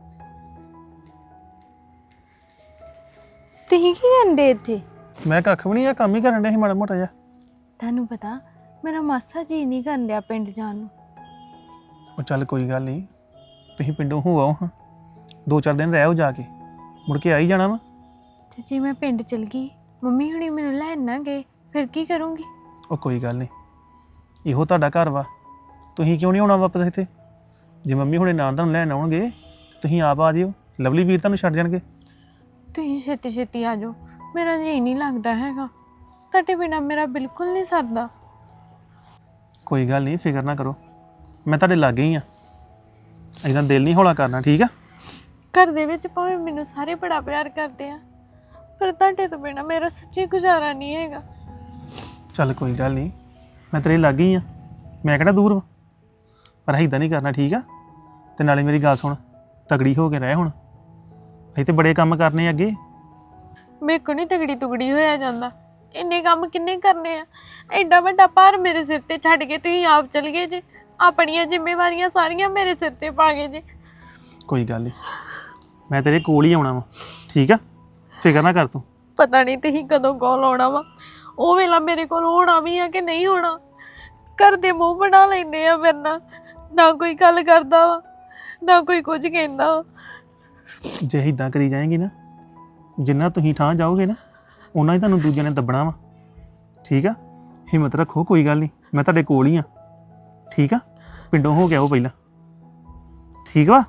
[SPEAKER 2] ਤੁਸੀਂ ਕੀ ਕਰਦੇ ਇੱਥੇ?
[SPEAKER 1] ਮੈਂ ਕੱਖ ਵੀ ਨਹੀਂ ਆ, ਕੰਮ ਹੀ ਕਰਨ ਡਿਆ ਸੀ ਮਾੜਾ ਮੋਟਾ ਜਿਹਾ।
[SPEAKER 2] ਤੁਹਾਨੂੰ ਪਤਾ ਮੇਰਾ ਮਾਸਾ ਜੀ ਨਹੀਂ ਕਰਨ ਡਿਆ ਪਿੰਡ ਜਾਣ ਨੂੰ।
[SPEAKER 1] ਉਹ ਚੱਲ ਕੋਈ ਗੱਲ ਨਹੀਂ, ਤੁਸੀਂ ਪਿੰਡੋਂ ਹੋ ਆਓ ਹਾਂ, 2-4 ਦਿਨ ਰਹਿ ਆਓ ਜਾ ਕੇ, ਮੁੜ ਕੇ ਆ ਹੀ ਜਾਣਾ ਵਾ।
[SPEAKER 2] ਤੇ ਜੇ ਮੈਂ ਪਿੰਡ ਚਲ ਗਈ, ਮੰਮੀ ਹੁਣੀ ਮੈਨੂੰ ਲੈਣ ਨਾ ਗਏ, ਫਿਰ ਕੀ ਕਰੂੰਗੀ?
[SPEAKER 1] ਉਹ ਕੋਈ ਗੱਲ ਨਹੀਂ, ਇਹੋ ਤੁਹਾਡਾ ਘਰ ਵਾ, ਤੁਸੀਂ ਕਿਉਂ ਨਹੀਂ ਆਉਣਾ ਵਾਪਸ ਇੱਥੇ? ਜੇ ਮੰਮੀ ਹੁਣੇ ਨਾਲ ਤੁਹਾਨੂੰ ਲੈਣ ਆਉਣਗੇ ਤੁਸੀਂ ਆਪ ਆ ਜਿਓ, ਲਵਲੀ ਵੀਰ ਤੁਹਾਨੂੰ ਛੱਡ ਜਾਣਗੇ।
[SPEAKER 2] ਤੁਸੀਂ ਛੇਤੀ ਛੇਤੀ ਆ ਜਾਓ, ਮੇਰਾ ਜੀ ਨਹੀਂ ਲੱਗਦਾ ਹੈਗਾ। ਤੁਹਾਡੇ ਬਿਨਾ ਮੇਰਾ ਬਿਲਕੁਲ ਨਹੀਂ ਸਰਦਾ।
[SPEAKER 1] ਕੋਈ ਗੱਲ ਨਹੀਂ, ਫਿਕਰ ਨਾ ਕਰੋ, ਮੈਂ ਤੁਹਾਡੇ ਲਾਗੇ ਹੀ ਆ। ਇੱਦਾਂ ਦਿਲ ਨਹੀਂ ਹੌਲਾ ਕਰਨਾ, ਠੀਕ ਆ?
[SPEAKER 2] ਘਰ ਦੇ ਵਿੱਚ ਭਾਵੇਂ ਮੈਨੂੰ ਸਾਰੇ ਬੜਾ ਪਿਆਰ ਕਰਦੇ ਆ, ਪਰ ਤੁਹਾਡੇ ਤੋਂ ਬਿਨਾ ਮੇਰਾ ਸੱਚੀ ਗੁਜ਼ਾਰਾ ਨਹੀਂ ਹੈਗਾ।
[SPEAKER 1] ਚੱਲ ਕੋਈ ਗੱਲ ਨਹੀਂ, ਮੈਂ ਤੇਰੇ ਲਾਗੇ ਹੀ ਆ, ਮੈਂ ਕਿਹੜਾ ਦੂਰ ਵਾ। ਪਰ ਇੱਦਾਂ ਨਹੀਂ ਕਰਨਾ, ਠੀਕ ਆ? ਤੇ ਨਾਲੇ ਮੇਰੀ ਗੱਲ ਸੁਣ, ਤਗੜੀ ਹੋ ਕੇ ਰਹਿ ਹੁਣ, ਅਸੀਂ ਤੇ ਬੜੇ ਕੰਮ ਕਰਨੇ ਅੱਗੇ।
[SPEAKER 2] ਮੇਰੇ ਕੋਲ ਨਹੀਂ ਤਗੜੀ ਤੁਗੜੀ ਹੋਇਆ ਜਾਂਦਾ, ਇੰਨੇ ਕੰਮ ਕਿੰਨੇ ਕਰਨੇ ਆ? ਐਡਾ ਵੱਡਾ ਭਾਰ ਮੇਰੇ ਸਿਰ ਤੇ ਛੱਡ ਕੇ ਤੁਸੀਂ ਆਪ ਚਲ ਗਏ ਜੇ, ਆਪਣੀਆਂ ਜ਼ਿੰਮੇਵਾਰੀਆਂ ਸਾਰੀਆਂ ਮੇਰੇ ਸਿਰ ਤੇ ਪਾ ਗਏ ਜੇ।
[SPEAKER 1] ਕੋਈ ਗੱਲ ਨਹੀਂ, ਮੈਂ ਤੇਰੇ ਕੋਲ ਹੀ ਆਉਣਾ ਵਾ, ਠੀਕ ਆ? ਫਿਕਰ ਨਾ ਕਰ ਤੂੰ।
[SPEAKER 2] ਪਤਾ ਨਹੀਂ ਤੁਸੀਂ ਕਦੋਂ ਕਾਲ ਆਉਣਾ ਵਾ, ਉਹ ਵੇਲਾ ਮੇਰੇ ਕੋਲ ਹੋਣਾ ਵੀ ਆ ਕਿ ਨਹੀਂ ਹੋਣਾ। ਘਰ ਦੇ ਮੂੰਹ ਬਣਾ ਲੈਂਦੇ ਆ ਮੇਰੇ ਨਾਲ, ਨਾ ਕੋਈ ਗੱਲ ਕਰਦਾ ਵਾ, ਨਾ ਕੋਈ ਕੁਝ ਕਹਿੰਦਾ ਵਾ।
[SPEAKER 1] ਜੇ ਇੱਦਾਂ ਕਰੀ ਜਾਏਗੀ ਨਾ, ਜਿੰਨਾ ਤੁਸੀਂ ਠਾਂ ਜਾਓਗੇ ਨਾ, ਉਹਨਾਂ ਹੀ ਤੁਹਾਨੂੰ ਦੂਜਿਆਂ ਨੇ ਦੱਬਣਾ ਵਾ, ਠੀਕ ਆ? ਹਿੰਮਤ ਰੱਖੋ, ਕੋਈ ਗੱਲ ਨਹੀਂ, ਮੈਂ ਤੁਹਾਡੇ ਕੋਲ ਹੀ ਆ, ਠੀਕ ਆ? ਪਿੰਡੋਂ ਹੋ ਕੇ ਆਓ ਪਹਿਲਾਂ, ਠੀਕ ਵਾ?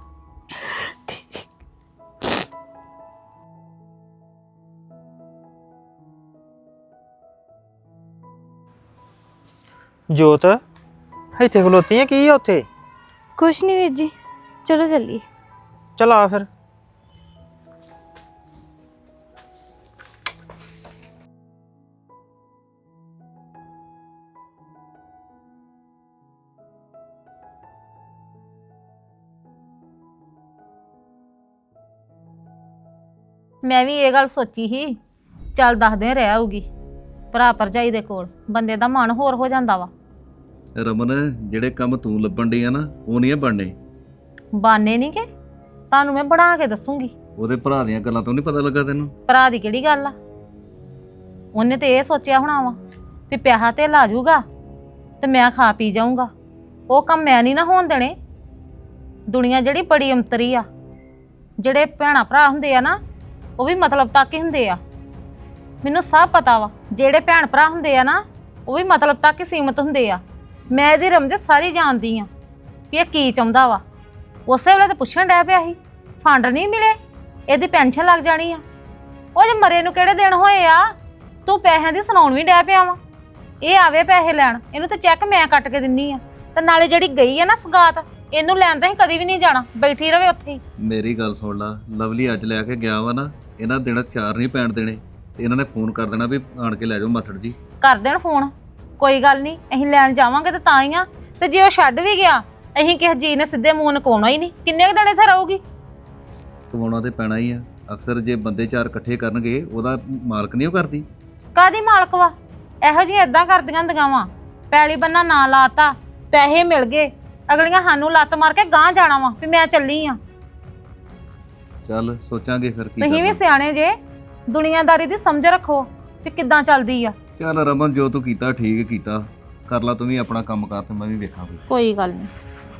[SPEAKER 6] ਜੋਤ ਇੱਥੇ ਖਲੋਤੀ ਆ, ਕੀ ਆ ਉੱਥੇ?
[SPEAKER 2] ਕੁਛ ਨਹੀਂ ਵੀਰ ਜੀ, ਚਲੋ ਚੱਲੀਏ।
[SPEAKER 6] ਚਲ ਆ ਫਿਰ।
[SPEAKER 4] ਮੈਂ ਵੀ ਇਹ ਗੱਲ ਸੋਚੀ ਸੀ, ਚੱਲ 10 ਦਿਨ ਰਹਿ ਆਊਗੀ ਭਰਾ ਭਰਜਾਈ ਦੇ ਕੋਲ, ਬੰਦੇ ਦਾ ਮਨ ਹੋਰ ਹੋ ਜਾਂਦਾ ਵਾ।
[SPEAKER 5] ਰਮਨ, ਜਿਹੜੇ ਕੰਮ ਤੂੰ ਲੱਭਣ ਡਈ ਆ ਨਾ, ਉਹ ਨਹੀਂ ਆ ਬਣਨੇ।
[SPEAKER 4] ਬਾਨੇ ਨਹੀਂ ਕਿ ਤੁਹਾਨੂੰ ਮੈਂ ਬਣਾ ਕੇ ਦੱਸੂਗੀ।
[SPEAKER 5] ਉਹਦੇ ਭਰਾ ਦੀਆਂ ਗੱਲਾਂ ਤੋਂ ਨਹੀਂ ਪਤਾ ਲੱਗਾ ਤੈਨੂੰ?
[SPEAKER 4] ਭਰਾ ਦੀ ਕਿਹੜੀ ਗੱਲ ਆ? ਉਹਨੇ ਤੇ ਇਹ ਸੋਚਿਆ ਹੋਣਾ ਵਾ ਵੀ ਪਿਆਹਾ ਤੇ ਲਾ ਜੂਗਾ ਤੇ ਮੈਂ ਖਾ ਪੀ ਜਾਊਂਗਾ। ਉਹ ਕੰਮ ਮੈਂ ਨਹੀਂ ਨਾ ਹੋਣ ਦੇਣੇ। ਦੁਨੀਆ ਜਿਹੜੀ ਬੜੀ ਅੰਤਰੀ ਆ, ਜਿਹੜੇ ਭੈਣਾ ਭਰਾ ਹੁੰਦੇ ਆ ਨਾ, ਉਹ ਵੀ ਮਤਲਬ ਤੱਕ ਹੀ ਹੁੰਦੇ ਆ। ਮੈਨੂੰ ਸਭ ਪਤਾ ਵਾ, ਜਿਹੜੇ ਭੈਣ ਭਰਾ ਹੁੰਦੇ ਆ ਨਾ, ਉਹ ਵੀ ਮਤਲਬ ਤੱਕ ਹੀ ਸੀਮਤ ਹੁੰਦੇ ਆ। ਮੈਂ ਇਹਦੀ ਰਮਜ ਸਾਰੀ ਜਾਣਦੀ ਆ ਵੀ ਇਹ ਕੀ ਚਾਹੁੰਦਾ ਵਾ। ਉਸੇ ਵੇਲੇ ਤਾਂ ਪੁੱਛਣ ਡਿਆ ਪਿਆ ਸੀ, ਫੰਡ ਨਹੀਂ ਮਿਲੇ, ਇਹਦੀ ਪੈਨਸ਼ਨ ਲੱਗ ਜਾਣੀ ਆ। ਉਹ ਜੇ ਮਰੇ ਨੂੰ ਕਿਹੜੇ ਦਿਨ ਹੋਏ ਆ, ਤੂੰ ਪੈਸਿਆਂ ਦੀ ਸੁਣਾਉਣ ਵੀ ਡਿਆ ਪਿਆ ਵਾ। ਇਹ ਆਵੇ ਪੈਸੇ ਲੈਣ, ਇਹਨੂੰ ਤਾਂ ਚੈੱਕ ਮੈਂ ਕੱਟ ਕੇ ਦਿੰਨੀ ਆ। ਤੇ ਨਾਲੇ ਜਿਹੜੀ ਗਈ ਆ ਨਾ ਸਗਾਤ, ਇਹਨੂੰ ਲੈਣ ਤਾਂ ਹੀ ਕਦੀ ਵੀ ਨਹੀਂ ਜਾਣਾ, ਬੈਠੀ ਰਵੇ ਉੱਥੇ ਹੀ।
[SPEAKER 5] ਮੇਰੀ ਗੱਲ ਸੁਣ ਲਾ, ਲਵਲੀ ਅੱਜ ਲੈ ਕੇ ਗਿਆ ਵਾ ਨਾ, ਇਹਨਾਂ ਦਿਨਾਂ 4 ਨਹੀਂ ਪੈਣ ਦੇਣੇ, ਤੇ ਇਹਨਾਂ ਨੇ ਫੋਨ ਕਰ ਦੇਣਾ ਵੀ ਆਣ ਕੇ ਲੈ ਜਾਓ ਮਾਸੜ ਜੀ। ਕਰ
[SPEAKER 4] ਦੇਣ ਫੋਨ, ਕੋਈ ਗੱਲ ਨਹੀਂ, ਅਸੀਂ ਲੈਣ ਜਾਵਾਂਗੇ ਤੇ ਤਾਂ ਹੀ ਆ। ਤੇ ਜੇ ਉਹ ਛੱਡ ਵੀ ਗਿਆ, ਅਸੀਂ ਕਿਸੇ ਜੀ ਨੇ ਸਿੱਧੇ ਮੂੰਹ ਨਕਾਉਣਾ ਹੀ ਨਹੀਂ। ਕਿੰਨੇ ਕੁ ਦਿਨ ਇੱਥੇ ਰਹੂਗੀ?
[SPEAKER 5] ਕਮਾਉਣਾ ਤੇ ਪੈਣਾ ਹੀ ਆ। ਅਕਸਰ ਜੇ ਬੰਦੇ 4 ਇਕੱਠੇ ਕਰਨਗੇ, ਉਹਦਾ ਮਾਲਕ ਨਹੀਂ ਉਹ ਕਰਦੀ।
[SPEAKER 4] ਕਾਦੀ ਮਾਲਕ ਵਾ? ਇਹੋ ਜਿਹੀ ਏਦਾਂ ਕਰਦੀਆਂ ਹੁੰਦੀਆਂ ਵਾ, ਪੈਲੀ ਬੰਨਾ ਨਾ ਲਾਤਾ, ਪੈਸੇ ਮਿਲ ਗਏ, ਅਗਲੀਆਂ ਸਾਨੂੰ ਲੱਤ ਮਾਰ ਕੇ ਗਾਂਹ ਜਾਣਾ ਵਾ ਵੀ ਮੈਂ ਚੱਲੀ ਆ।
[SPEAKER 5] ਚੱਲ ਸੋਚਾਂਗੇ ਫਿਰ ਕੀ
[SPEAKER 4] ਤੁਸੀਂ ਵੀ
[SPEAKER 5] ਕਰਨਾ।
[SPEAKER 4] ਸਿਆਣੇ ਜੇ, ਦੁਨੀਆਦਾਰੀ ਦੀ ਸਮਝ ਰੱਖੋ ਵੀ ਕਿੱਦਾਂ ਚੱਲਦੀ ਆ।
[SPEAKER 5] ਚੱਲ ਰਮਨ, ਜੋ ਤੂੰ ਕੀਤਾ ਠੀਕ ਕੀਤਾ, ਕਰ ਲਾ ਤੂੰ ਵੀ ਆਪਣਾ ਕੰਮ ਕਰ ਤੇ ਮੈਂ ਵੀ ਵੇਖਾਂ ਕੋਈ।
[SPEAKER 4] ਕੋਈ ਗੱਲ ਨਹੀਂ,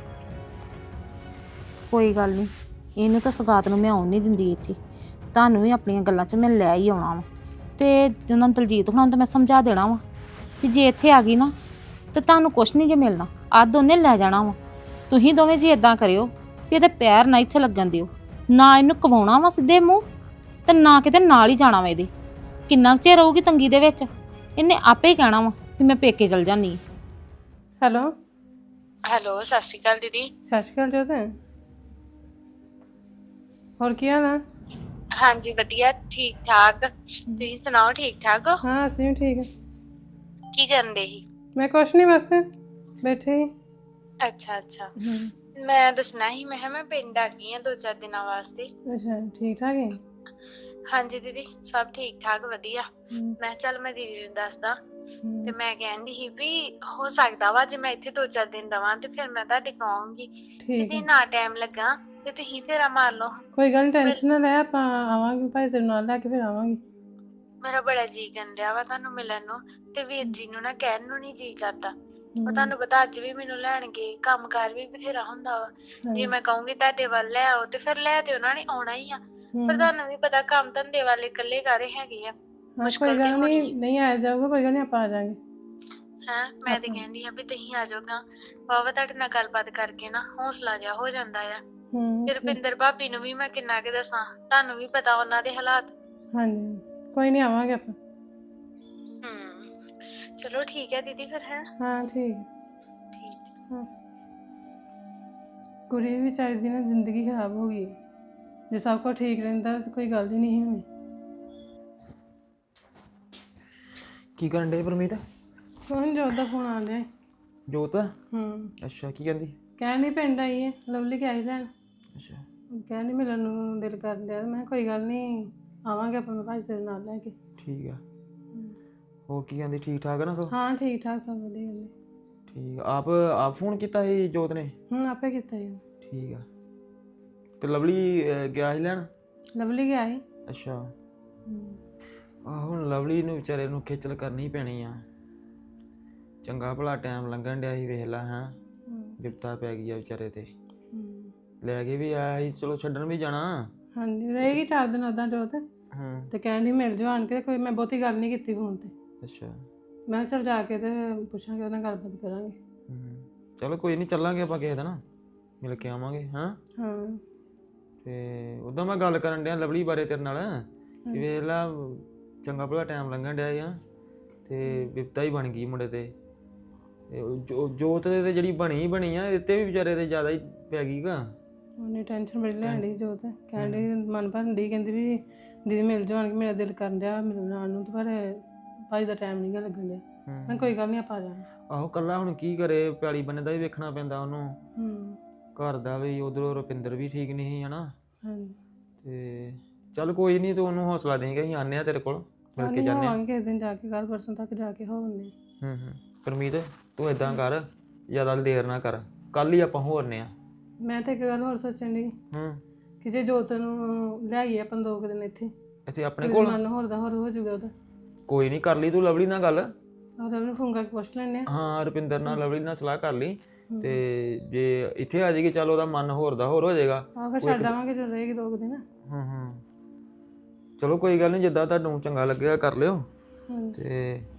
[SPEAKER 4] ਕੋਈ ਗੱਲ ਨਹੀਂ, ਇਹਨੂੰ ਤਾਂ ਸਗਾਤ ਨੂੰ ਮੈਂ ਆਉਣ ਨਹੀਂ ਦਿੰਦੀ ਇੱਥੇ। ਤੁਹਾਨੂੰ ਵੀ ਆਪਣੀਆਂ ਗੱਲਾਂ 'ਚ ਮੈਂ ਲੈ ਹੀ ਆਉਣਾ ਵਾ। ਤੇ ਉਹਨਾਂ ਨੂੰ ਦਲਜੀਤ ਹੁਣਾਂ ਨੂੰ ਤਾਂ ਮੈਂ ਸਮਝਾ ਦੇਣਾ ਵਾ ਵੀ ਜੇ ਇੱਥੇ ਆ ਗਈ ਨਾ ਤੇ ਤੁਹਾਨੂੰ ਕੁਛ ਨਹੀਂ ਜੇ ਮਿਲਣਾ, ਅੱਧ ਉਹਨੇ ਲੈ ਜਾਣਾ ਵਾ। ਤੁਸੀਂ ਦੋਵੇਂ ਜੀ ਇਦਾਂ ਕਰਿਓ ਵੀ ਇਹਦੇ ਪੈਰ ਨਾ ਇੱਥੇ ਲੱਗਣ ਦਿਓ, ਨਾ ਇਹਨੂੰ ਕਵਾਉਣਾ ਵਾ ਸਿੱਧੇ ਮੂੰਹ, ਤੇ ਨਾ ਕਿਤੇ ਨਾਲ ਹੀ ਜਾਣਾ ਵਾ ਇਹਦੇ। ਕਿੰਨਾ ਚਿਰ ਰਹੂਗੀ ਤੰਗੀ ਦੇ ਵਿੱਚ, ਇਹਨੇ ਆਪੇ ਹੀ ਕਹਿਣਾ ਵਾ ਵੀ ਮੈਂ ਪੇਕੇ ਚਲ ਜਾਂਦੀ।
[SPEAKER 7] ਹੈਲੋ
[SPEAKER 8] ਹੈਲੋ, ਸਤਿ ਸ਼੍ਰੀ ਅਕਾਲ ਦੀਦੀ।
[SPEAKER 7] ਸਤਿ ਸ਼੍ਰੀ ਅਕਾਲ ਜੋਤ। ਹੋਰ ਕੀ ਹਾਲ ਆ?
[SPEAKER 8] ਹਾਂਜੀ ਵਧੀਆ, ਠੀਕ ਠਾਕ। ਤੁਸੀਂ ਸੁਣਾਓ, ਠੀਕ ਠਾਕ ਹੋ?
[SPEAKER 7] ਹਾਂ ਅਸੀਂ ਵੀ ਠੀਕ ਆ।
[SPEAKER 8] ਕੀ ਕਰਨ ਦੇ ਸੀ?
[SPEAKER 7] ਮੈਂ ਕੁਛ ਨਹੀਂ, ਬਸ ਬੈਠੇ ਹੀ।
[SPEAKER 8] ਅੱਛਾ ਅੱਛਾ, ਮੈਂ ਦੱਸਣਾ ਸੀ, ਮੈਂ ਕਿਹਾ ਮੈਂ ਪਿੰਡ ਆ ਗਈ ਆ 2-4 ਦਿਨਾਂ ਵਾਸਤੇ।
[SPEAKER 7] ਅੱਛਾ, ਠੀਕ ਠਾਕ ਹੈ?
[SPEAKER 8] ਹਾਂਜੀ ਦੀਦੀ, ਸਭ ਠੀਕ ਠਾਕ ਵਧੀਆ। ਮੈਂ ਚੱਲ ਮੈਂ ਦੀਦੀ ਨੂੰ ਦੱਸਦਾ। ਤੇ ਮੈਂ ਕਹਿੰਦੀ ਸੀ ਵੀ ਹੋ ਸਕਦਾ ਵਾ ਜੇ ਮੈਂ ਇੱਥੇ 2-4 ਦਿਨ ਰਵਾਂ ਤੇ ਫਿਰ ਮੈਂ ਤੁਹਾਡੇ ਕੋਲ ਆਉਂਗੀ।
[SPEAKER 7] ਠੀਕ
[SPEAKER 8] ਜੇ ਨਾ ਟਾਈਮ ਲੱਗਾ ਤੇ ਤੁਸੀਂ ਫੇਰਾ ਮਾਰ ਲਓ।
[SPEAKER 7] ਕੋਈ ਗੱਲ ਨਹੀਂ, ਟੈਨਸ਼ਨ ਨਾ ਲੈ, ਆਪਾਂ ਆਵਾਂਗੇ, ਭਾਈ ਤੇਰੇ ਨਾਲ ਲੈ ਕੇ ਫਿਰ ਆਵਾਂਗੇ।
[SPEAKER 8] ਮੇਰਾ ਬੜਾ ਜੀ ਕਰਨ ਵਾ ਤੁਹਾਨੂੰ ਮਿਲਣ ਨੂੰ, ਤੇ ਵੀਰ ਜੀ ਨੂੰ ਨਾ ਕਹਿਣ ਨੂੰ ਨਹੀਂ ਜੀ ਕਰਦਾ। ਉਹ ਤੁਹਾਨੂੰ ਪਤਾ ਅੱਜ ਵੀ ਮੈਨੂੰ ਲੈਣਗੇ, ਕੰਮਕਾਰ ਵੀ ਬਥੇਰਾ ਹੁੰਦਾ ਵਾ। ਜੇ ਮੈਂ ਕਹੂੰਗੀ ਤੁਹਾਡੇ ਵੱਲ ਲੈ ਆਓ ਤੇ ਫਿਰ ਲੈ ਤੇ ਉਹਨਾਂ ਨੇ ਆਉਣਾ ਹੀ ਆ, ਪਰ ਤੁਹਾਨੂੰ ਵੀ ਪਤਾ ਕੰਮ ਧੰਦੇ ਵਾਲੇ ਇਕੱਲੇ ਘਰੇ ਹੈਗੇ ਆ, ਮੁਸ਼ਕਲ
[SPEAKER 7] ਕੋਈ
[SPEAKER 8] ਤੇ
[SPEAKER 7] ਗੱਲ
[SPEAKER 8] ਹੋਣੀ
[SPEAKER 7] ਨਹੀਂ, ਨਹੀਂ ਆਇਆ ਜਾਊਗਾ, ਕੋਈ ਗੱਲ ਨਹੀਂ, ਆਪਾਂ ਆ ਜਾਾਂਗੇ।
[SPEAKER 8] ਹੈ। ਮੈਂ ਤੇ ਕਹਿੰਦੀ ਆ ਵੀ ਤੁਸੀਂ ਆ ਜਾਓਗਾ, ਬਾਬਾ ਤੁਹਾਡੇ ਨਾਲ ਗੱਲਬਾਤ ਕਰਕੇ ਨਾ ਹੌਸਲਾ ਜਿਹਾ ਹੋ ਜਾਂਦਾ ਆ। ਤੇ ਰੁਪਿੰਦਰ ਭਾਬੀ ਨੂੰ ਵੀ ਮੈਂ ਕਿੰਨਾ ਕੁ ਦੱਸਾਂ, ਤੁਹਾਨੂੰ ਵੀ ਪਤਾ ਉਹਨਾਂ ਦੇ ਹਾਲਾਤ।
[SPEAKER 7] ਹਾਂਜੀ, ਕੋਈ ਨਹੀਂ, ਆਵਾਂਗੇ ਆਪਾਂ।
[SPEAKER 8] ਚਲੋ ਠੀਕ ਹੈ ਦੀਦੀ ਫਿਰ। ਹੈ
[SPEAKER 7] ਹਾਂ ਠੀਕ।
[SPEAKER 8] ਠੀਕ।
[SPEAKER 7] ਹਾਂ, ਕੁੜੀ ਵੀ ਵਿਚਾਰੀ ਦੀ ਨਾ ਜ਼ਿੰਦਗੀ ਖਰਾਬ ਹੋ ਗਈ। ਜੇ ਸਭ ਕੁਝ ਠੀਕ ਰਹਿੰਦਾ ਤਾਂ ਕੋਈ ਗੱਲ ਹੀ ਨਹੀਂ ਹੋਣੀ।
[SPEAKER 6] ਕੀ ਕਰਨ ਡੇ ਪਰਮੀਤ?
[SPEAKER 7] ਕੋਈ ਜੋਤ ਦਾ ਫੋਨ ਆ ਰਿਹਾ।
[SPEAKER 6] ਜੋਤ?
[SPEAKER 7] ਹੂੰ।
[SPEAKER 6] ਅੱਛਾ, ਕੀ ਕਹਿੰਦੀ?
[SPEAKER 7] ਕਹਿਣ ਨਹੀਂ ਪਿੰਡ ਆਈ ਹੈ, ਲਵਲੀ ਕੇ ਆਈ ਲੈਣ।
[SPEAKER 6] ਅੱਛਾ।
[SPEAKER 7] ਕਹਿਣ ਨਹੀਂ ਮਿਲਣ ਨੂੰ ਦਿਲ ਕਰ ਲਿਆ। ਮੈਂ ਕਿਹਾ ਕੋਈ ਗੱਲ ਨਹੀਂ, ਆਵਾਂਗੇ ਆਪਾਂ, ਮੈਂ ਭਾਈ ਤੇਰੇ ਨਾਲ ਲੈ ਕੇ।
[SPEAKER 6] ਠੀਕ ਆ। ਹੋਰ ਕੀ ਕਹਿੰਦੀ, ਠੀਕ ਠਾਕ ਆ ਨਾ ਸਭ?
[SPEAKER 7] ਹਾਂ ਠੀਕ ਠਾਕ, ਸਭ ਵਧੀਆ ਗੱਲ।
[SPEAKER 6] ਠੀਕ ਆ। ਆਪ ਫੋਨ ਕੀਤਾ ਸੀ ਜੋਤ ਨੇ?
[SPEAKER 7] ਆਪੇ ਕੀਤਾ ਜੀ।
[SPEAKER 6] ਠੀਕ ਆ। ਤੇ ਲਵਲੀ ਗਿਆ ਸੀ ਲੈਣ?
[SPEAKER 7] ਲਵਲੀ ਗਿਆ ਸੀ।
[SPEAKER 6] ਅੱਛਾ। ਆਹ ਹੁਣ ਲਵਲੀ ਨੂੰ ਵਿਚਾਰੇ ਨੂੰ ਖੇਚਲ ਕਰਨੀ ਪੈਣੀ ਆ। ਚੰਗਾ ਭਲਾ ਟਾਈਮ ਲੰਘਣ ਡਿਆ ਸੀ, ਵੇਖ ਲਾ। ਹਾਂ, ਵਿਪਤਾ ਪੈ ਗਈ ਆ ਵਿਚਾਰੇ ਤੇ। ਲੈ ਕੇ ਵੀ ਆਇਆ ਸੀ, ਚਲੋ ਛੱਡਣ ਵੀ ਜਾਣਾ।
[SPEAKER 7] ਹਾਂਜੀ, ਰਹੇਗੀ 4 ਦਿਨ ਉੱਦਾਂ ਜੋਤ। ਤੇ ਕਹਿਣ ਦੀ ਮਿਲ ਜਾਓ ਆਣ ਕੇ। ਕੋਈ ਮੈਂ ਬਹੁਤੀ ਗੱਲ ਨਹੀਂ ਕੀਤੀ ਫੋਨ ਤੇ।
[SPEAKER 6] ਅੱਛਾ।
[SPEAKER 7] ਮੈਂ ਕਿਹਾ ਚੱਲ ਜਾ ਕੇ ਤੇ ਪੁੱਛਾਂਗੇ, ਉਹਦੇ ਨਾਲ ਗੱਲਬਾਤ ਕਰਾਂਗੇ।
[SPEAKER 6] ਚਲੋ ਕੋਈ ਨਹੀਂ, ਚੱਲਾਂਗੇ ਆਪਾਂ ਕਿਸੇ ਦਿਨ, ਮਿਲ ਕੇ ਆਵਾਂਗੇ। ਹਾਂ। ਤੇ ਉੱਦਾਂ ਮੈਂ ਗੱਲ ਕਰਨ ਡਿਆ ਲਵਲੀ ਬਾਰੇ ਤੇਰੇ ਨਾਲ ਕਿ ਵੇਖ ਲਾ, ਚੰਗਾ ਭਲਾ ਟਾਈਮ ਲੰਘਣ ਡਿਆ ਆ ਤੇ ਵਿਪਤਾ ਹੀ ਬਣ ਗਈ ਮੁੰਡੇ ਤੇ। ਜੋਤ ਤੇ ਜਿਹੜੀ ਬਣੀ ਆ, ਇੱਥੇ ਵੀ ਵਿਚਾਰੇ ਤੇ ਜ਼ਿਆਦਾ ਹੀ ਪੈ ਗਈ ਗਾ।
[SPEAKER 7] ਉਹਨੇ ਟੈਨਸ਼ਨ ਬੜੀ ਲੈਣ ਡਈ ਜੋਤ। ਕਹਿਣ ਡਈ ਮਨ ਭਰਨ ਡਈ, ਕਹਿੰਦੀ ਵੀ ਦੀਦੀ ਮਿਲ ਜਾਓ ਆਣ ਕੇ, ਮੇਰਾ ਦਿਲ ਕਰਨ ਡਿਆ ਮਿਲਣ ਆਉਣ ਨੂੰ, ਤੇ ਪਰ ਭਾਈ ਦਾ ਟਾਈਮ ਨਹੀਂ ਗਾ ਲੱਗਣ ਡਿਆ। ਮੈਂ ਕੋਈ ਗੱਲ ਨਹੀਂ, ਆਪਾਂ ਆ ਜਾਵਾਂਗੇ।
[SPEAKER 6] ਆਹੋ, ਕੱਲਾ ਹੁਣ ਕੀ ਕਰੇ, ਪੈਲੀ ਬੰਨੇ ਦਾ ਵੀ ਵੇਖਣਾ ਪੈਂਦਾ ਉਹਨੂੰ, ਘਰ ਦਾ ਵੀ। ਉਧਰੋਂ ਰੁਪਿੰਦਰ ਵੀ ਠੀਕ ਨਹੀਂ ਸੀ, ਹਨਾ। ਤੇ ਚੱਲ ਕੋਈ ਨਹੀਂ, ਤੂੰ ਉਹਨੂੰ ਹੌਸਲਾ ਦੇਂਗਾ, ਅਸੀਂ ਆਨੇ ਆ ਤੇਰੇ ਕੋਲ, ਮਿਲ ਕੇ ਜਾਂਦੇ ਆ।
[SPEAKER 7] ਕਿਸੇ ਦਿਨ ਜਾ ਕੇ, ਕੱਲ ਪਰਸੋਂ ਤੱਕ ਜਾ ਕੇ ਹੋਵਨੇ।
[SPEAKER 6] ਪਰਮੀਤ, ਤੂੰ ਏਦਾਂ ਕਰ, ਜ਼ਿਆਦਾ ਦੇਰ ਨਾ ਕਰ, ਕੱਲ ਹੀ ਆਪਾਂ ਹੋਰਨੇ ਆ।
[SPEAKER 7] ਮੈਂ ਤਾਂ ਇੱਕ ਗੱਲ ਹੋਰ ਸੋਚਣ ਡਈ ਕਿ ਜੇ ਜੋਤ ਨੂੰ ਲਿਆਈਏ ਆਪਾਂ 2 ਦਿਨ ਇੱਥੇ
[SPEAKER 6] ਆਪਣੇ ਕੋਲ,
[SPEAKER 7] ਮਨ ਹੋਰ ਦਾ ਹੋਰ ਹੋ ਜਾਊਗਾ ਉਹਦਾ।
[SPEAKER 6] ਕੋਈ ਨਹੀਂ, ਕਰ ਲਈ ਤੂੰ ਲਵਲੀ ਨਾਲ ਗੱਲ।
[SPEAKER 7] ਉਹਦਾ ਵੀ ਫੋਨ ਕਰਕੇ ਪੁੱਛ ਲੈਣੇ ਆ।
[SPEAKER 6] ਹਾਂ, ਰੁਪਿੰਦਰ ਨਾਲ ਲਵਲੀ ਨਾਲ ਸਲਾਹ ਕਰ ਲਈ, ਤੇ ਜੇ ਇੱਥੇ ਆ ਜਾਏਗੀ, ਚੱਲ ਉਹਦਾ ਮਨ ਹੋਰ ਦਾ ਹੋਰ ਹੋ ਜਾਏਗਾ।
[SPEAKER 7] ਫਿਰ ਛੱਡ ਆਵਾਂਗੇ, ਜਦੋਂ ਰਹੇਗੀ 2 ਦਿਨ।
[SPEAKER 6] ਚਲੋ ਕੋਈ ਗੱਲ ਨਹੀਂ, ਜਿੱਦਾਂ ਤੁਹਾਨੂੰ ਚੰਗਾ ਲੱਗੇਗਾ ਕਰ ਲਿਓ। ਤੇ